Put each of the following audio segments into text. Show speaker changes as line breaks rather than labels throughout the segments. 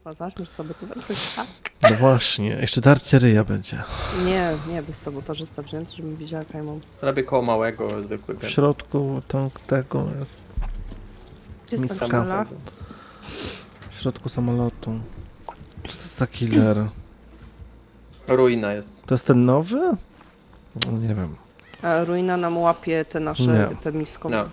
Zaczniesz sobie to tak.
No właśnie, jeszcze darcie ryja będzie.
Nie, bez sabotażysta wziąć, żebym widziała kajmą.
Robię koło małego, zwykły
W
gen.
środku tego jest.
Gdzie jest ta
Miska.
krzela?
W środku samolotu. Co to jest za killer?
Ruina jest.
To jest ten nowy? No, nie wiem.
A ruina nam łapie te nasze,
Nie.
te misko.
No.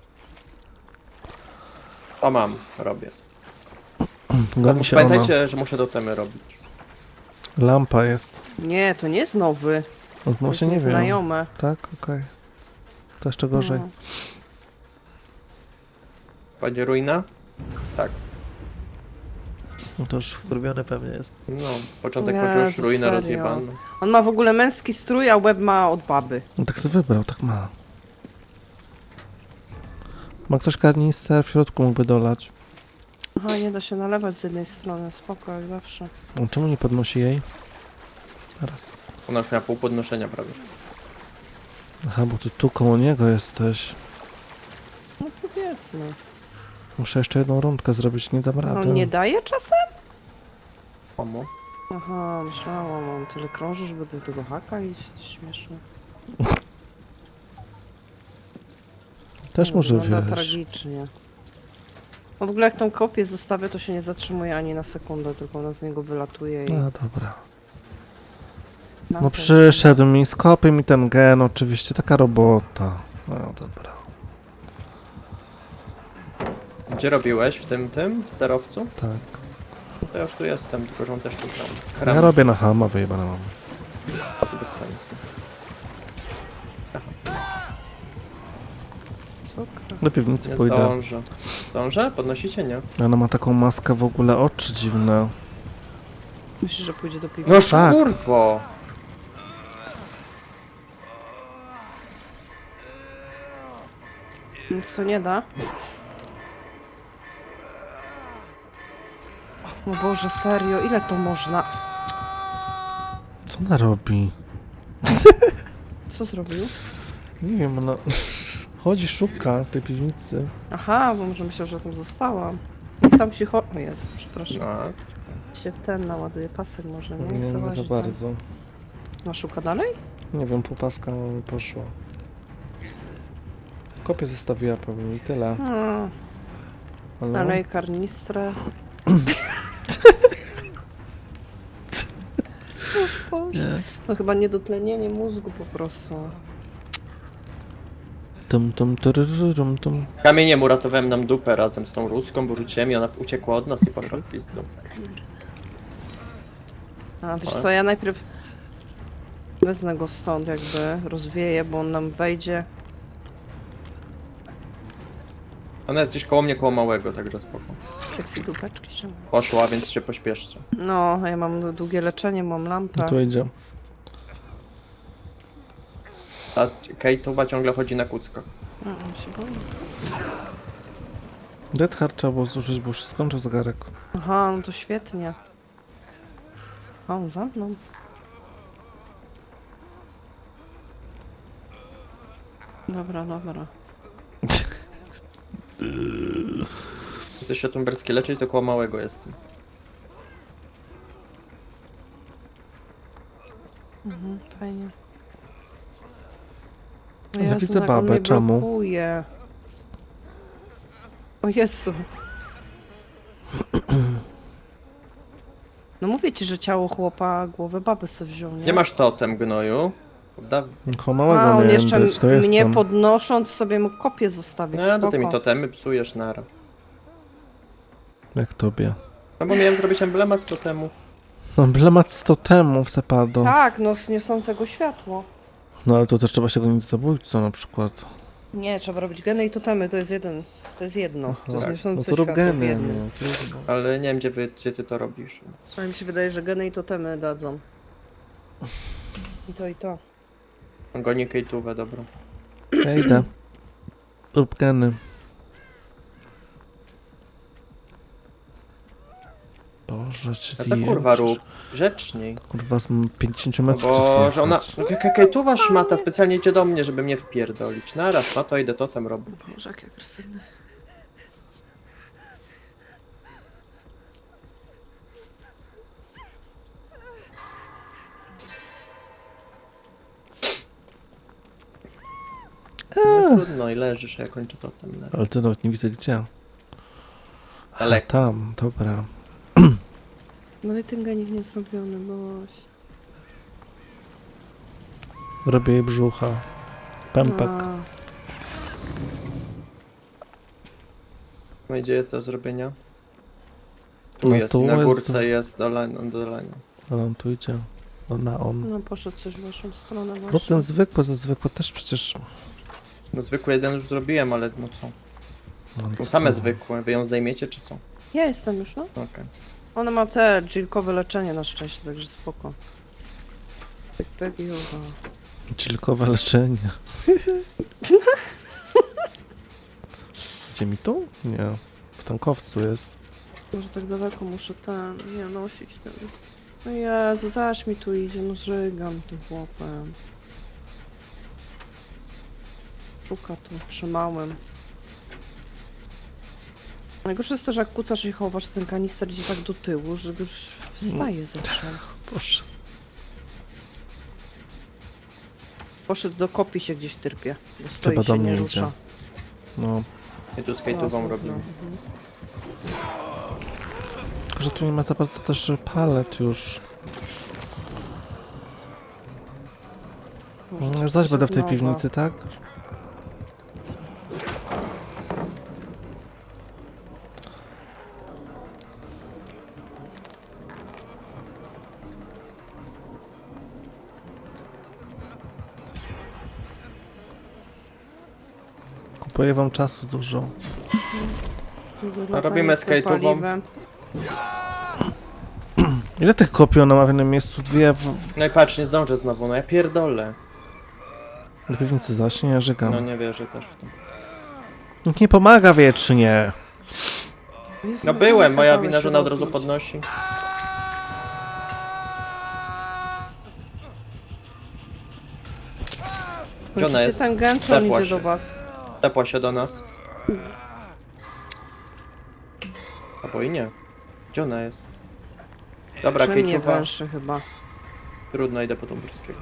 O mam, robię.
Goni się ona.
Pamiętajcie, że muszę totemy robić.
Lampa jest.
Nie, to nie jest nowy.
No,
To jest
właśnie nie wiem.
nieznajome.
Tak, okej. To jeszcze gorzej.
No.
Będzie ruina? Tak.
No to już wkurwiony pewnie jest.
No, początek
Jezu,
poczuł już ruinę
serio?
rozjebaną.
On ma w ogóle męski strój, a łeb ma od baby.
No tak sobie wybrał, tak ma. Ma ktoś karnister w środku mógłby dolać.
Aha, nie da się nalewać z jednej strony, spoko jak zawsze.
No, czemu nie podnosi jej? Teraz.
Ona już miała pół podnoszenia prawie.
Aha, bo ty tu koło niego jesteś.
No powiedzmy.
Muszę jeszcze jedną rundkę zrobić, nie dam rady.
On nie daje czasem?
Komu?
Aha, myślałam, on tyle krąży, żeby do tego haka iść, śmieszne.
Też
No,
może
wygląda
wiesz.
tragicznie. No w ogóle jak tą kopię zostawię, to się nie zatrzymuje ani na sekundę, tylko ona z niego wylatuje i...
No dobra.
No,
No
to-
przyszedł mi, skopię mi ten gen, oczywiście, taka robota. No dobra.
Gdzie robiłeś? W tym? W sterowcu?
Tak.
No to ja już tu jestem, tylko że on też tu tam.
Ja robię na hama, wyjebane mam.
To bez sensu.
Cukra.
Do piwnicy
Nie
pójdę.
zdążę. Zdążę? Podnosicie? Nie?
Ona ma taką maskę w ogóle, oczy dziwne.
Myślisz, że pójdzie do piwnicy?
No
tak.
kurwo!
Nic to nie da. No Boże, serio, ile to można?
Co ona robi?
Co zrobił?
Nie wiem, ona chodzi, szuka tej piwnicy.
Aha, bo może myślał, że tam zostałam. Niech tam się O Jezu, przepraszam.
No,
Się ten naładuje pasek może, nie?
Nie, nie
Zauważy
za
tam.
bardzo.
No szuka dalej?
Nie wiem, półpaska mi poszła. Kopię zostawiła pewnie i tyle. Ale...
Dalej karnistrę. O Boże.
Nie.
No chyba niedotlenienie mózgu po prostu.
Tum.
Kamieniem uratowałem nam dupę razem z tą ruską, bo rzuciłem i ona uciekła od nas i poszła w pizdu.
A wiesz co, ja najpierw wezmę go stąd jakby, rozwieję, bo on nam wejdzie.
Ona jest gdzieś koło mnie, koło małego, także spoko.
Seksy dupeczki się.
Poszła, więc się pośpieszcie.
No, a ja mam długie leczenie, mam lampę.
Tu idzie.
A Kate ciągle chodzi na kuckach.
On się boi.
Dead Hard trzeba było zużyć, bo już się skończył zegarek.
Aha, no to świetnie. A on za mną. Dobra.
Chcesz się tumberskie leczyć, to koło małego jestem.
Fajnie. O
Ja
Jezu,
widzę
jak on
babę,
mnie
czemu?
blokuje. O Jezu. No mówię ci, że ciało chłopa głowę baby sobie wziął, nie?
Gdzie masz totem, gnoju?
Koło małego
A, on
miałem
jeszcze
być, to
mnie
jestem.
podnosząc sobie mu kopię zostawić,
No, to ty mi
spoko.
totemy psujesz nara.
Jak tobie.
No bo miałem zrobić emblemat z totemów.
Emblemat z totemów, Sepado.
Tak, no z niosącego światło.
No ale to też trzeba się gonić z zabójcą na przykład.
Nie, trzeba robić geny i totemy, to jest jeden. To jest jedno. To jest
tak.
niosące
No to rób
światło w
geny,
jednym.
nie? Trudno.
Ale nie wiem, gdzie ty to robisz.
Ale mi się wydaje, że geny i totemy dadzą. I to.
Goni Kate'ówę, dobra.
Ja idę. Rób geny. Boże, czy
A co kurwa rób? Grzeczniej.
Kurwa, z 50
No
metrów
bo, że ona...
słychać.
Kate'uwa szmata specjalnie idzie do mnie, żeby mnie wpierdolić. Naraz, no to idę totem robić.
Boże, jakie agresywne.
Trudno i leżysz, a ja kończę totem.
Ale ty nawet nie widzę gdzie. A
Daleko.
tam, dobra.
No i ten genik nie zrobiony, boś.
Robię jej brzucha. Pępek.
No i gdzie jest do zrobienia? Tu
No
jest,
tu
i na
jest-
górce jest dolania.
Ale on tu idzie. Na on.
No poszedł coś w waszą stronę
No
właśnie.
ten zwykły, ze zwykły też przecież...
No zwykły jeden już zrobiłem, ale no co?
No,
Są same zwykłe, wy ją zdejmiecie czy co?
Ja jestem już, no.
Okej.
Ona ma te dżilkowe leczenie na szczęście, także spoko. Tak, yoga.
Chillkowe leczenie. Gdzie mi tu? Nie. W tankowcu jest.
Może tak daleko muszę nie nosić ten. No Jezu, zaś mi tu idzie, no żygam tym chłopem. Szuka tu, przy małym. Najgorsze jest to, że jak kucasz i chowasz, ten kanister idzie tak do tyłu, że już wstaje zawsze.
Proszę.
Poszedł do kopii się gdzieś tyrpie, bo stoi
Chyba do
się
mnie
nie
idzie.
rusza.
No.
I tu skate'ową robimy.
Mhm.
Tylko, że tu nie ma za bardzo też palet już.
Może to
Zaś będę w tej
nowa.
piwnicy, tak? Kupuję wam czasu dużo.
Dużo
robimy
kanister
skate'ową.
paliwem.
Ile tych kopii ona ma w jednym miejscu? Dwie w
No i patrz, nie zdążę znowu, no ja pierdolę.
do piwnicy zaś, nie żygam.
No nie wierzę też w to.
Nikt nie pomaga wiecznie.
Jezu,
No byłem, moja
kazałeś
wina, że ona od razu
robić.
podnosi. Gdzie ona
Kończycie
jest?
ten gen, czy on
Tepła
idzie
się.
do was?
Tepła się do nas. Albo i nie. Gdzie ona jest? Dobra,
Że mnie
Kejczuwa.
węszy chyba.
Trudno, idę po Tumberskiego.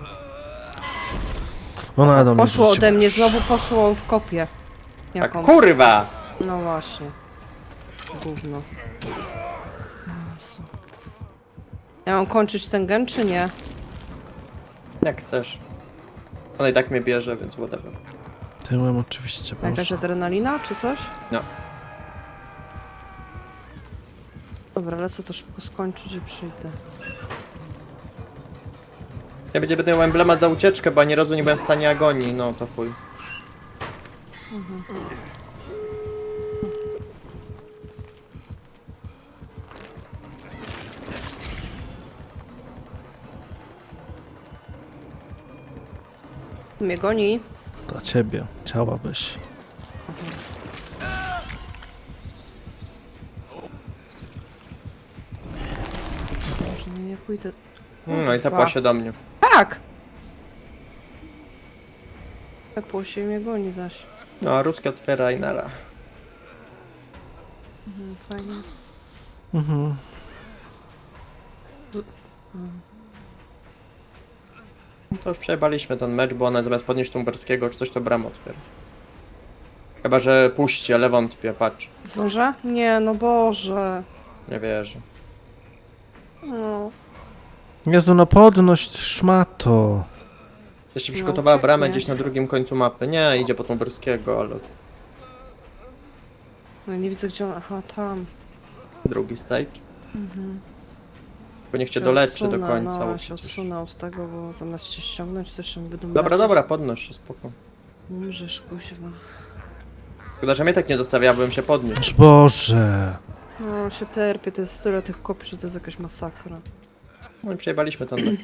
Ona do mnie
Poszło
wróciła.
ode mnie, znowu poszło w kopię.
Tak,
Jaką?
kurwa!
No właśnie. Gówno. Jezu. Ja mam kończyć ten gen, czy nie?
Jak chcesz. Ona i tak mnie bierze, więc whatever.
Tyłem oczywiście,
Jakaś
proszę.
adrenalina, czy coś?
No.
Dobra, lecę to szybko skończyć i przyjdę.
Ja będę miał emblemat za ucieczkę, bo ani razu nie byłem w stanie agonii, no to chuj.
Mnie goni.
Dla ciebie. Chciałabyś.
Może nie pójdę.
No i tepła się do mnie.
Tak! Tepło się i mnie goni zaś.
No a ruskie otwiera i nara.
Fajnie.
Mhm.
No to już przejebaliśmy ten mecz, bo ona zamiast podnieść Tumberskiego czy coś, to bramę otwiera. Chyba, że puści, ale wątpię, patrz.
Zdążę? Nie, no Boże.
Nie wierzę.
No.
Jezu, no podność, szmato.
Jeszcze
No,
przygotowała bramę
pięknie.
gdzieś na drugim końcu mapy. Nie, idzie po Tumberskiego, ale
No nie widzę gdzie on. Aha, tam.
drugi stage. Bo niech cię
Się
doleczy do
odsunę,
końca.
No,
bo
się
przecież...
odsunę od tego, bo zamiast cię ściągnąć, to jeszcze będę
Dobra,
lecieć.
dobra, podnoś się, spoko.
Umrzesz, kuźwa.
Chyba, że mnie tak nie zostawiałbym się podnieść.
Aż Boże.
No, się terpię, to jest tyle tych kopii, że to jest jakaś masakra.
No i przejebaliśmy ten mecz.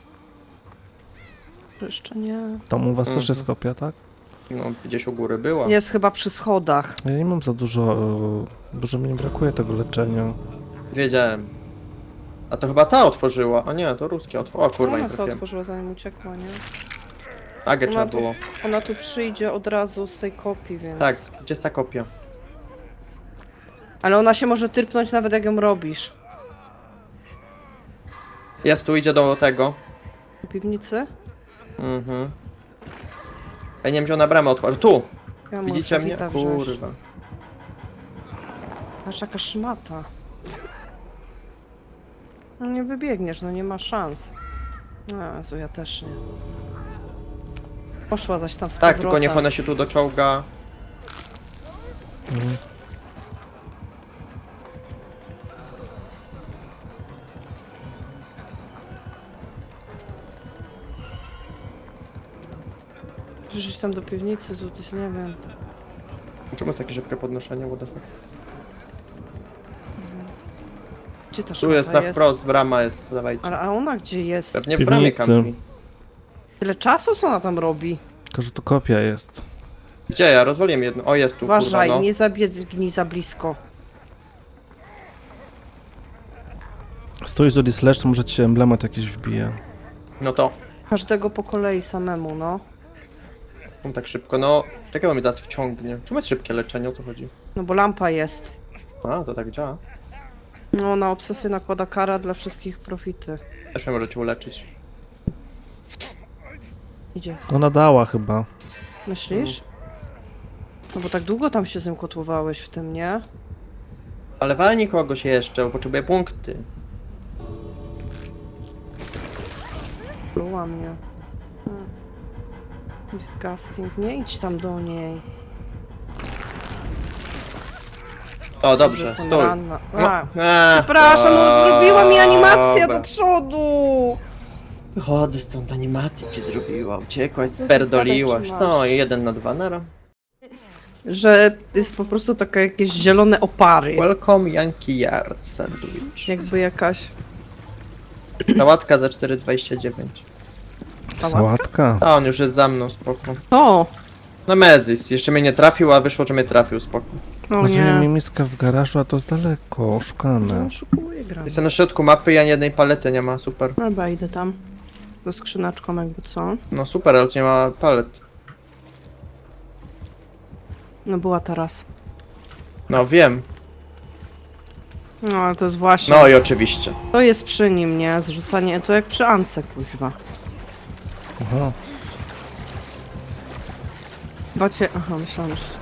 Jeszcze nie.
Tam u was też
Mhm.
jest kopia, tak?
No, gdzieś u góry była.
Jest chyba przy schodach.
Ja nie mam za dużo, dużo mi nie brakuje tego leczenia.
Wiedziałem. A to chyba ta otworzyła. A nie, to ruskie otworzyła. O kurwa, nie
Ona sobie
trafiłem.
otworzyła zanim uciekła, nie?
Agę
Ona
trzeba
tu-
było.
Ona tu przyjdzie od razu z tej kopii, więc...
Tak, gdzie jest ta kopia?
Ale ona się może tyrpnąć nawet jak ją robisz.
Jest tu, idzie do tego.
Do piwnicy?
Mhm. Ja nie wiem, gdzie ona bramę otworzy. Tu!
Ja
Widzicie
muszę
mnie?
Wita wziąć.
Kurwa.
Aż jaka szmata. No nie wybiegniesz, no nie ma szans. Jezu, ja też nie. Poszła zaś tam z
Tak, tylko
powrotem.
niech ona się tu doczołga.
Mhm.
Przyszedł tam do piwnicy, Zudis, nie wiem.
Czemu jest takie szybkie podnoszenie? What the fuck?
Gdzie ta
Tu
szmata
jest na wprost, brama jest, dawajcie.
Ale a ona gdzie jest?
Pewnie w bramie
Piwnicy.
kampi.
Tyle czasu, co ona tam robi?
Tylko, że tu kopia jest.
Gdzie ja? Rozwaliłem jedno. O, jest tu,
Uważaj,
kurwa, no.
nie zabiegnij za blisko.
Stój z Odis Lecz, to może ci się emblemat jakiś wbije.
No to.
Każdego po kolei samemu, no.
On tak szybko, no. Czekaj, bo mnie zaraz wciągnie. Czemu jest szybkie leczenie? O co chodzi?
No bo lampa jest.
A, to tak działa.
No, na obsesję nakłada kara dla wszystkich profity.
Też mnie możecie uleczyć.
Idzie.
Ona dała chyba.
Myślisz? No bo tak długo tam się z nim kotłowałeś w tym, nie?
Ale walnij kogoś jeszcze, bo potrzebuję punkty.
Pluła mnie. Disgusting. Nie idź tam do niej.
O, dobrze,
Jestem
stój.
ranna.
No.
A, przepraszam, no zrobiła mi animację do przodu!
Wychodzę stąd, animację ci zrobiła, uciekłaś,
No to
sperdoliłaś.
zgadaj, czy
No i 1 na 2, nara.
Że jest po prostu takie jakieś zielone opary.
Welcome Yankee Yard Sandwich.
Jakby jakaś...
Sałatka za 4,29.
Sałatka.
A on już jest za mną, spoko.
O!
No Mezis, jeszcze mnie nie trafił, a wyszło, że mnie trafił, spoko.
O
Rozumiem mi
nie.
miska w garażu, a to jest daleko, oszukane.
No, szukuję gram.
Jestem na środku mapy i ani jednej palety nie ma, super.
Dobra, idę tam. Ze skrzyneczką jakby co.
No super, ale tu nie ma palet.
No była teraz.
No wiem.
No ale to jest właśnie...
No i oczywiście.
To jest przy nim, nie? Zrzucanie, to jak przy Ance, kuźwa.
Aha.
Bacie... Aha, myślałam, że...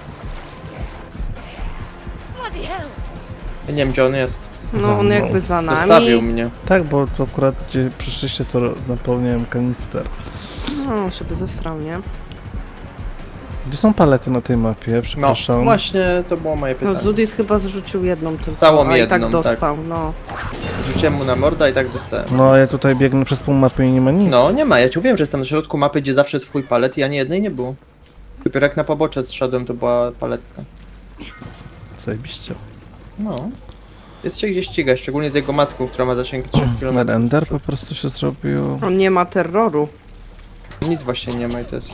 Ja nie wiem, gdzie on jest.
No
Za
on
mną.
jakby za
Zostawił
nami.
mnie.
Tak, bo to akurat gdzie przyszliście, to napełniałem kanister.
No, on się by zestrał, nie?
Gdzie są palety na tej mapie?
No,
Przepraszam.
właśnie to było moje
No
pytanie.
Zudis chyba zrzucił jedną tylko,
Dało mi
a i
jedną,
tak
tak.
dostał, no.
Rzuciłem mu na morda i tak dostałem.
No, ja tutaj biegnę przez pół mapy i nie ma nic.
No, nie ma, ja ci mówiłem, że jestem na środku mapy, gdzie zawsze jest swój palet i ani jednej nie było. Dopiero jak na pobocze zszedłem, to była paletka.
Zajebiście.
No. Jest się gdzie ścigać, szczególnie z jego macką, która ma zasięg 3 km.
Render po prostu się zrobił.
On nie ma terroru.
Nic właśnie nie ma i to jest...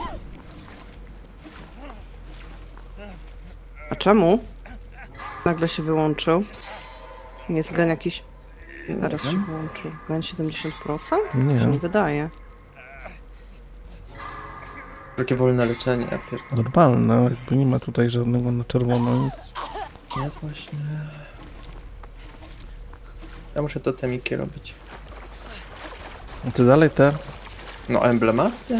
A czemu? Nagle się wyłączył. Jest gen jakiś... Zaraz się wyłączył. Gen 70%? Się nie
Nie,
wydaje.
Takie wolne leczenie, ja pierdolę.
normalne, jakby nie ma tutaj żadnego na czerwono nic.
Jest właśnie... Ja muszę totemiki robić.
A ty dalej te?
No, emblematy?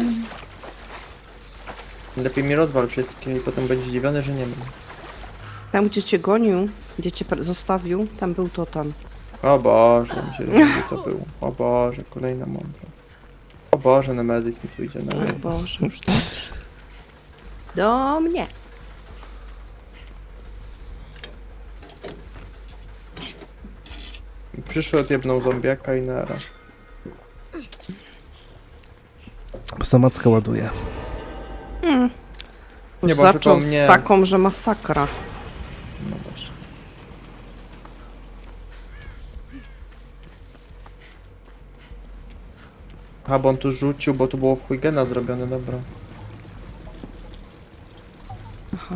Lepiej mi rozwal wszystkie i potem będzie zdziwiony, że nie mam.
Tam gdzie cię gonił, gdzie cię zostawił, tam był totem.
O Boże, myślę, że to było. O Boże, kolejna mądra. O Boże, Nemezis mi tu idzie na
Ach
ryb.
Boże, już tak. Do mnie.
Przyszedł jedną zombiaka i nara.
Samacka ładuje.
Nie, bo
Zaczął
szukał mnie.
z taką, że masakra.
No właśnie. A, bo on tu rzucił, bo tu było w Huygena zrobione, dobra.
Aha.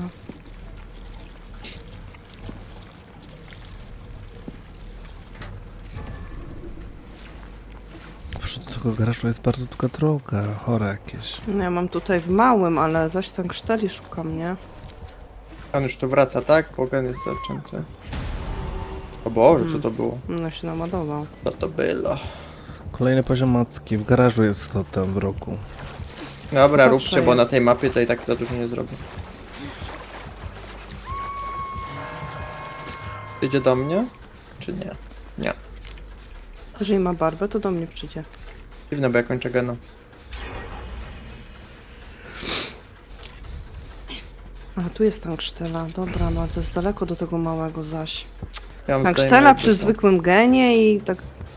Proszę, do tego garażu jest bardzo długa droga, chore jakieś.
No ja mam tutaj w małym, ale zaś ten krzteli szukam, nie?
On już tu wraca, tak? Bo gen jest zaczęty. O Boże, co to było?
No się naładował.
Co to było?
Kolejny poziom macki, w garażu jest to tam w roku.
Dobra,
Zawsze
róbcie, bo na
jest.
tej mapie to i tak za dużo nie zrobię. Idzie do mnie? Czy nie? Nie.
Jeżeli ma barbę, to do mnie przyjdzie.
Dziwne, bo ja kończę gena.
A, tu jest tanksztela. Dobra, no to jest daleko do tego małego zaś.
Ja mam
Tanksztela
zdejmę,
przy
jakby co.
zwykłym genie i tak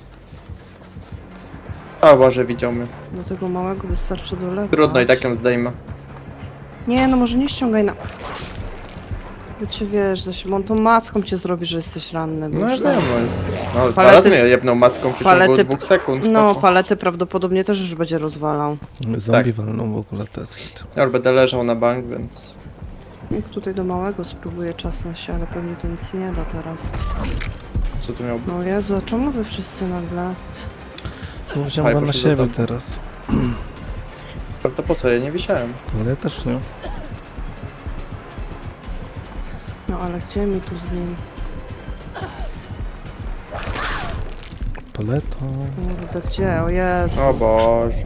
O Boże, widział mnie.
do tego małego wystarczy dolewać.
Trudno, i tak ją zdejmę.
Nie, no może nie ściągaj na... Bo cię wiesz, zaś, bo on tą macką cię zrobi, że jesteś ranny. Bo
No ja
już
wiem,
tak-
no. No,
Palety-
teraz mnie jebnął macką w przeciągu
palety-
2 sekund.
No,
spoko.
palety prawdopodobnie też już będzie rozwalał.
Zombie walną w ogóle, to jest hit.
Ja już będę leżał na bank, więc...
Jak tutaj do małego spróbuję czas na się, ale pewnie to nic nie da teraz.
Co tu miał być?
No Jezu, a czemu wy wszyscy nagle?
No wziąłem go na
poszedł do
siebie
domu.
teraz.
To po co? Ja nie wisiałem.
Ale ja też nie.
No ale gdzie mi tu z nim?
Paleto.
Kurde, gdzie? O Jezu.
O Boże.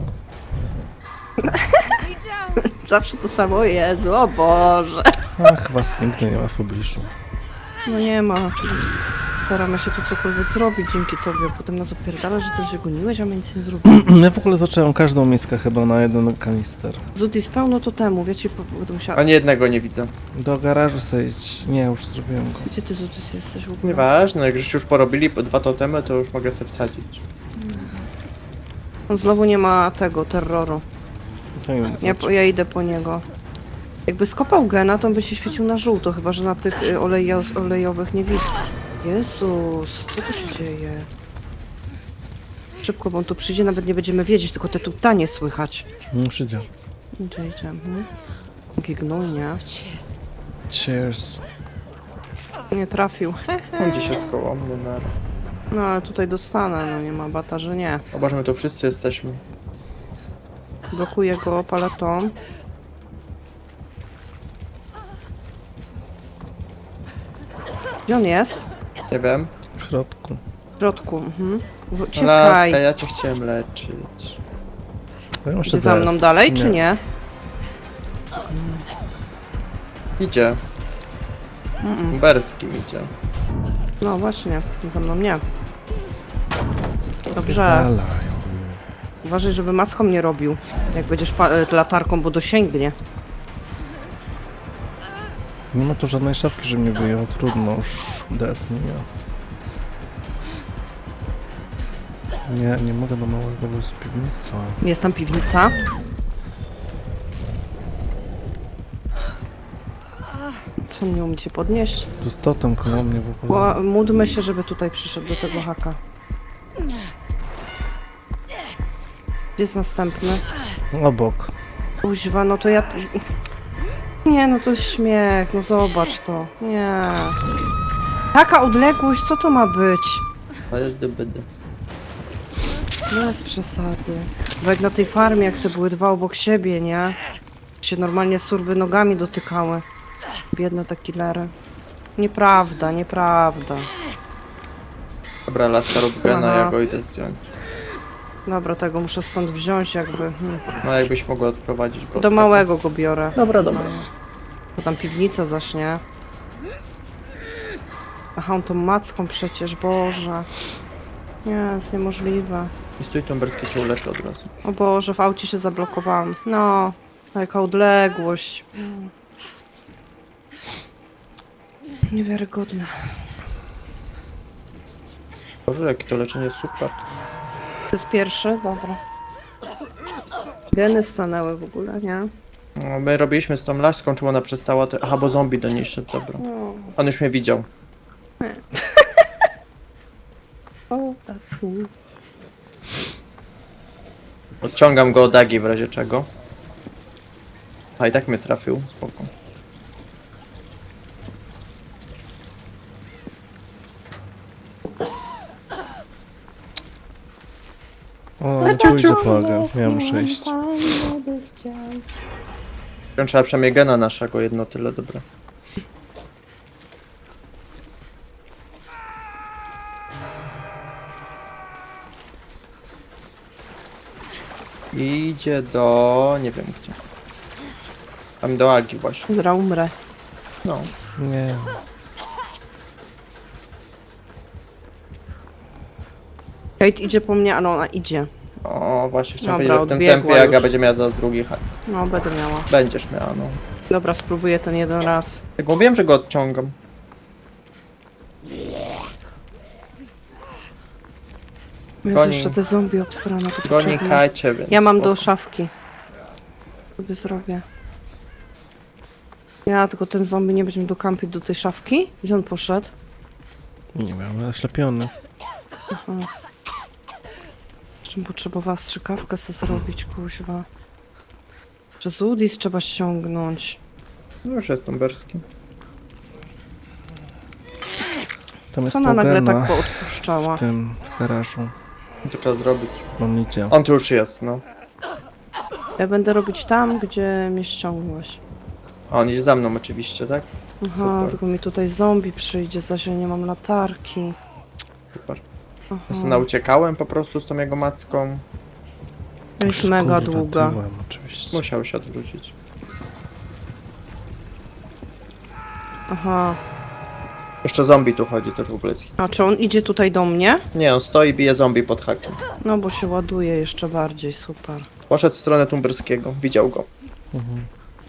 Zawsze to samo, o Jezu, o Boże.
Ach, was nigdy nie ma w pobliżu.
No nie ma. Staramy się tu cokolwiek zrobić dzięki tobie, a potem nas opierdala, że ty się goniłeś, a my nic nie zrobiliśmy.
Ja w ogóle zacząłem każdą miskę chyba na jeden kanister.
Zutis, pełno to temu, wiecie, będę musiała...
Ani jednego nie widzę.
Do garażu zejdź. Nie, już zrobiłem go.
Gdzie ty, Zutis, jesteś w ogóle?
Nieważne, jak żeście już porobili po 2 totemy, to już mogę sobie wsadzić.
On znowu nie ma tego, terroru.
To nie wiem, co
Ja idę po niego. Jakby skopał gena, to on by się świecił na żółto, chyba że na tych olejowych nie widać. Jezus, co tu się dzieje? Szybko, bo on tu przyjdzie, nawet nie będziemy wiedzieć, tylko te tutanie słychać.
nie przyjdzie.
Idzie, idzie. Jaki gnój, nie?
Cheers.
Nie trafił.
On gdzieś jest koło mnie na...
No ale tutaj dostanę, no nie ma bata, że nie.
O Boże, my tu wszyscy jesteśmy.
Blokuję go paletą. Gdzie on jest?
Nie wiem.
W środku.
W środku, mhm.
Laska,
Uciekaj.
ja cię chciałem leczyć.
Ja muszę
Idzie za mną
DS.
dalej, czy nie?
Idzie. Berskim idzie.
No właśnie, za mną nie. Dobrze.
Dalają.
Uważaj, żeby macką nie robił. Jak będziesz latarką, bo dosięgnie.
Nie ma tu żadnej szafki, że mnie wyjął. Trudno, już DS nie miał. Nie mogę do małego, bo jest piwnica.
Jest tam piwnica. Co nie umiecie podnieść?
Tu jest totem koło mnie w ogóle.
Módlmy się, żeby tutaj przyszedł do tego haka. Gdzie jest następny?
Obok.
Kuźwa, no to ja... Nie, no to jest śmiech, no zobacz to. Nie. Taka odległość, co to ma być?
Ale dybydy.
Bez przesady. Bo jak na tej farmie, jak te były dwa obok siebie, nie? Się normalnie surwy nogami dotykały. Biedne te killery. Nieprawda, nieprawda.
Dobra, laska rób gena,
Aha.
ja go idę zdjąć.
Dobra, tego muszę stąd wziąć jakby.
No jakbyś mogła odprowadzić go.
Do małego go biorę.
Dobra, dobra.
Bo tam piwnica zaśnie. Aha, on tą macką przecież, Boże. Nie, jest niemożliwe.
I stój tą berskie cię uleczy od razu.
O Boże, w aucie się zablokowałam. No, jaka odległość. Niewiarygodne.
Boże, jakie to leczenie jest super.
To jest pierwszy? Dobra. Geny stanęły w ogóle, nie?
No, my robiliśmy z tą laską, czemu ona przestała to... Aha, bo zombie do niej szedł, dobra.
No.
On już mnie widział.
O, tasu.
Odciągam go od Agi w razie czego. A i tak mnie trafił, spoko.
O, nie pójdzie po Agę. Ja muszę iść.
Trzeba przynajmniej gena naszego, jedno tyle, dobra. Idzie do... nie wiem gdzie. Tam do Agi właśnie.
Zaraz umrę.
No.
Nie.
Kate idzie po mnie, ale ona idzie.
O, właśnie chciałem
Dobra,
powiedzieć, że w tym
odbiegła
tempie Aga
już.
będzie miała za drugi hak.
No, będę miała.
Będziesz miała, no.
Dobra, spróbuję ten jeden raz.
Jak mówiłem, że go odciągam.
Jezu,
Goni.
jeszcze te zombie obsrane. To
Go nie
potrzebne.
kajcie, więc...
Ja mam do
spoko.
szafki. Sobie zrobię. Ja, tylko ten zombie nie będziemy dokampić do tej szafki? Gdzie on poszedł?
Nie wiem, oślepiony.
Aha. Jeszcze bym potrzebowała strzykawkę sobie zrobić, kuźwa. Przez Udis trzeba ściągnąć.
No już jest tumberski.
Tam jest
Co ona nagle
Pogena
tak poodpuszczała?
w tym, w garażu.
To trzeba zrobić.
On idzie.
On tu już jest, no.
Ja będę robić tam, gdzie mnie ściągłaś.
A on idzie za mną oczywiście, tak?
Aha,
Super.
tylko mi tutaj zombie przyjdzie, zaś ja nie mam latarki.
Super.
Aha.
Ja sobie nauciekałem po prostu z tą jego macką.
Jest
Już,
mega
kurwa,
długa.
tyłem, oczywiście.
Musiał się odwrócić.
Aha.
Jeszcze zombie tu chodzi też w ogóle. jest hit.
A czy on idzie tutaj do mnie?
Nie, on stoi i bije zombie pod hakiem.
No bo się ładuje jeszcze bardziej, super.
Poszedł w stronę tumberskiego, widział go.
Mhm.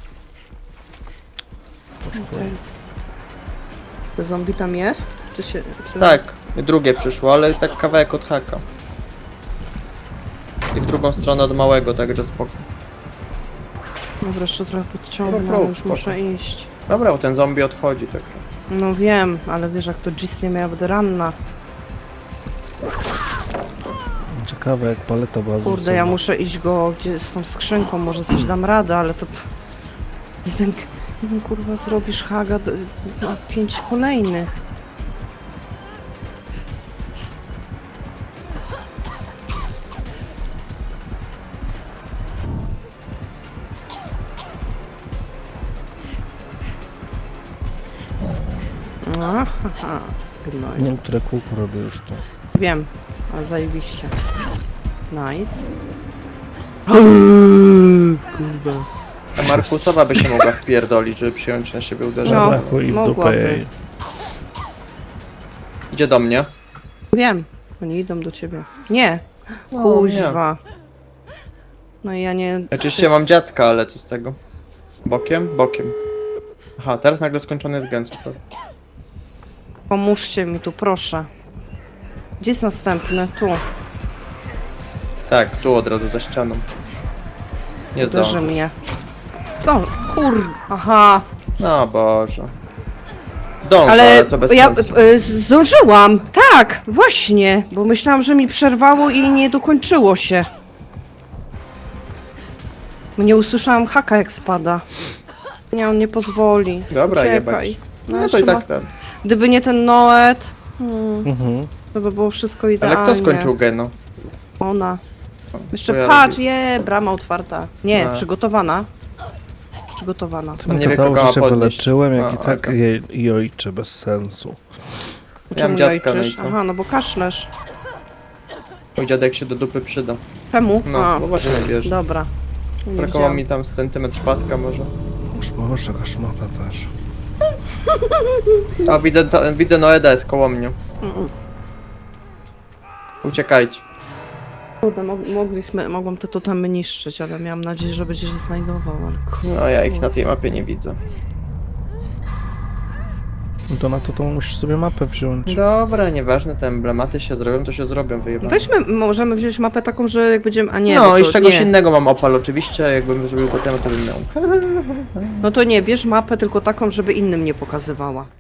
Tutaj. To zombie tam jest? Czy się... Czy...
Tak, i drugie przyszło, ale tak kawałek od haka. I w drugą stronę od małego, także spoko.
Dobra, jeszcze trochę podciągnę,
Dobra,
ale już
spoko.
muszę iść.
Dobra, bo ten zombie odchodzi, także.
No wiem, ale wiesz jak to Gis nie miała, będę ranna.
Ciekawe jak paleta była
Kurde,
wrzucona.
ja muszę iść go gdzie z tą skrzynką, może coś dam radę, ale to... Jeden kurwa zrobisz haga na 5 kolejnych. Aha, gnoj.
Nie wiem, które kółko robię już tu.
Wiem, ale zajebiście. Nice. Kurde.
A Markusowa by się mogła wpierdolić, żeby przyjąć na siebie uderzenie.
No.
Zabrakło i w dupę
mogłaby.
jej.
Idzie do mnie.
Wiem, oni idą do ciebie. Nie,
No,
kuźwa. No i ja nie...
Oczywiście mam dziadka, ale co z tego? Bokiem? Bokiem. Aha, teraz nagle skończony jest gen, super.
Pomóżcie mi tu, proszę. Gdzie jest następny? Tu.
Tak, tu od razu za ścianą. Nie
Uderzy
zdąży.
mnie. No, aha.
No Boże. Zdążę, ale,
Ale
to bez
ja
sensu.
zdążyłam. Tak, właśnie. Bo myślałam, że mi przerwało i nie dokończyło się. Bo nie usłyszałam haka jak spada. Nie, on nie pozwoli.
Dobra,
Uciekaj.
jebać. No to
jeszcze
i tak
ma-
ten.
Gdyby nie ten Noet,
Mhm.
to by było wszystko
Ale
idealnie.
kto skończył geno?
Ona. Jeszcze
To ja
patrz,
robię.
brama otwarta. Nie,
No.
przygotowana. Przygotowana.
Co
On
mi
nie wie,
gadało,
kogo
że się
ma podnieść.
wyleczyłem, jak
A,
i tak
okej.
jej ojcze bez sensu.
Czemu
dziadka, no i
jojczysz?
co?
Aha, no bo kaszlesz.
Mój dziadek się do dupy przyda.
Czemu?
No,
A,
bo właśnie wiesz.
dobra. Nie
Brakowało
widziałam.
mi tam z centymetr paska może.
Już Boże, kaszmata też.
A widzę Noeda jest koło mnie.
Mm.
Uciekajcie.
Kurde, mogłam te totemy niszczyć, ale miałam nadzieję, że będzie się znajdował, ale kurde.
No ja ich na tej mapie nie widzę.
No to na to musisz sobie mapę wziąć.
Dobra, nieważne, te emblematy się zrobią, to się zrobią, wyjebane.
Weźmy, możemy wziąć mapę taką, że jak będziemy... A nie,
No
bo
i
to
z czegoś
nie.
innego mam opal oczywiście, jakbym zrobił potem, to bym miał.
No to nie, bierz mapę tylko taką, żeby innym nie pokazywała.